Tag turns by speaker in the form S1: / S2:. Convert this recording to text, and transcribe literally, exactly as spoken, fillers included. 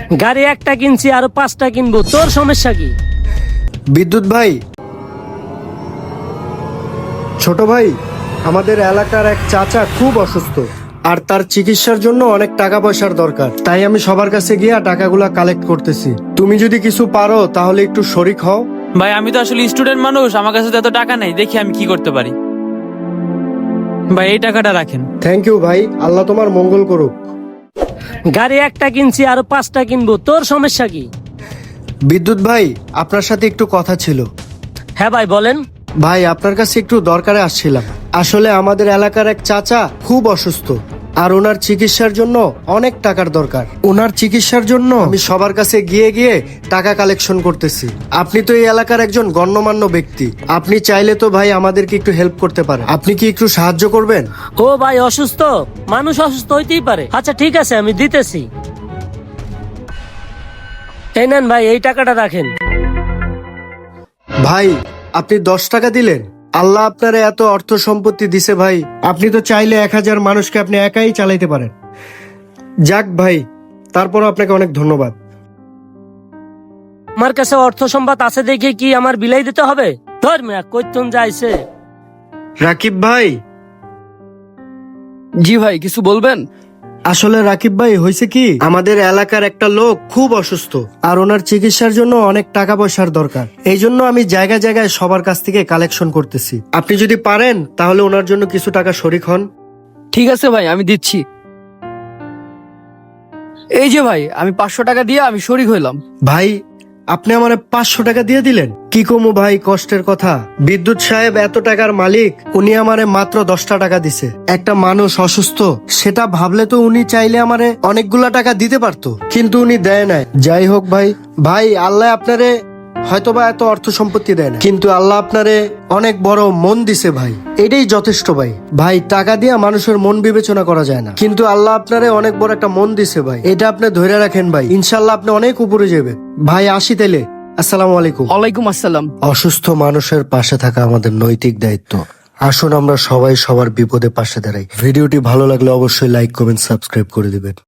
S1: গাড়ি একটা কিনছি আরো পাঁচটা কিনবো, তোর সমস্যা কি?
S2: বিদ্যুৎ ভাই, ছোট ভাই, আমাদের এলাকার এক চাচা খুব অসুস্থ আর তার চিকিৎসার জন্য অনেক টাকা পয়সার দরকার। তাই আমি সবার কাছে গিয়ে টাকাগুলা কালেক্ট করতেছি। তুমি যদি কিছু পারো তাহলে একটু শরিক হও।
S3: ভাই আমি তো আসলে স্টুডেন্ট মানুষ, আমার কাছে তো এত টাকা নেই, দেখি আমি কি করতে পারি। ভাই এই টাকাটা রাখেন।
S2: থ্যাংক ইউ ভাই, আল্লাহ তোমার মঙ্গল করুক।
S1: গাড়ি একটা কিনছি আরো পাঁচটা কিনবো, তোর সমস্যা কি?
S2: বিদ্যুৎ ভাই, আপনার সাথে একটু কথা ছিল।
S1: হ্যাঁ ভাই বলেন।
S2: ভাই আপনার কাছে একটু দরকারে আসছিলাম। আসলে আমাদের এলাকার এক চাচা খুব অসুস্থ আর ওনার চিকিৎসার জন্য অনেক টাকার দরকার। ওনার চিকিৎসার জন্য আমি সবার কাছে গিয়ে গিয়ে টাকা কালেকশন করতেছি। আপনি তো এই এলাকার একজন গণ্যমান্য ব্যক্তি, আপনি চাইলে তো ভাই আমাদেরকে একটু হেল্প করতে পারেন। আপনি কি একটু সাহায্য করবেন?
S1: ও ভাই অসুস্থ মানুষ অসুস্থ হইতেই পারে। আচ্ছা ঠিক আছে, আমি দিতেছি। এই নেন ভাই, এই টাকাটা রাখেন।
S2: ভাই আপনি দশ টাকা দিলেন, আল্লাহ আপনার এত অর্থ সম্পত্তি দিছে ভাই, আপনি তো চাইলে এক হাজার মানুষকে আপনি একাই চালাইতে পারেন। যাক ভাই, তারপরও আপনাকে অনেক ধন্যবাদ।
S1: আমার কাছে অর্থ সম্পদ আছে দেখে কি আমার বিলাই দিতে হবে? ধর মিয়া, কইতুন যাইছে।
S2: রাকিব ভাই।
S4: জি ভাই, কিছু বলবেন?
S2: আসলে রাকিব ভাই, হয়েছে কি, আমাদের এলাকার একটা লোক খুব অসুস্থ আর ওনার চিকিৎসার জন্য অনেক টাকা পয়সার দরকার। এই জন্য আমি জায়গায় জায়গায় সবার কাছ থেকে কালেকশন করতেছি। আপনি যদি পারেন তাহলে ওনার জন্য কিছু টাকা শরিক হন।
S4: ঠিক আছে ভাই, আমি দিচ্ছি। এই যে ভাই, আমি পাঁচশো টাকা দিয়ে আমি শরিক হইলাম।
S2: ভাই আপনি আমার পাঁচশো টাকা দিয়ে দিলেন, কি কমু ভাই, কষ্টের কথা। বিদ্যুৎ সাহেব এত টাকার মালিক, উনি আমারে মাত্র দশটা টাকা দিছে। একটা মানুষ অসুস্থ, সেটা ভাবলে তো উনি চাইলে আমারে অনেকগুলা টাকা দিতে পারতো, কিন্তু উনি দেয় নাই। যাই হোক ভাই, ভাই আল্লাহ আপনারে হয়তোবা এত অর্থ সম্পত্তি দেয় না, কিন্তু আল্লাহ আপনারে অনেক বড় মন দিছে ভাই, এটাই যথেষ্ট ভাই। ভাই টাকা দিয়ে মানুষের মন বিবেচনা করা যায় না, কিন্তু আল্লাহ আপনারে অনেক বড় একটা মন দিছে ভাই, এটা আপনি ধরে রাখেন ভাই, ইনশাল্লাহ আপনি অনেক উপরে যাবেন। ভাই আসি তাইলে, আসসালামু আলাইকুম।
S4: ওয়ালাইকুম আসসালাম।
S2: অসুস্থ মানুষের পাশে থাকা আমাদের নৈতিক দায়িত্ব। আসুন আমরা সবাই সবার বিপদে পাশে দাঁড়াই। ভিডিওটি ভালো লাগলে অবশ্যই লাইক কমেন্ট সাবস্ক্রাইব করে দিবেন।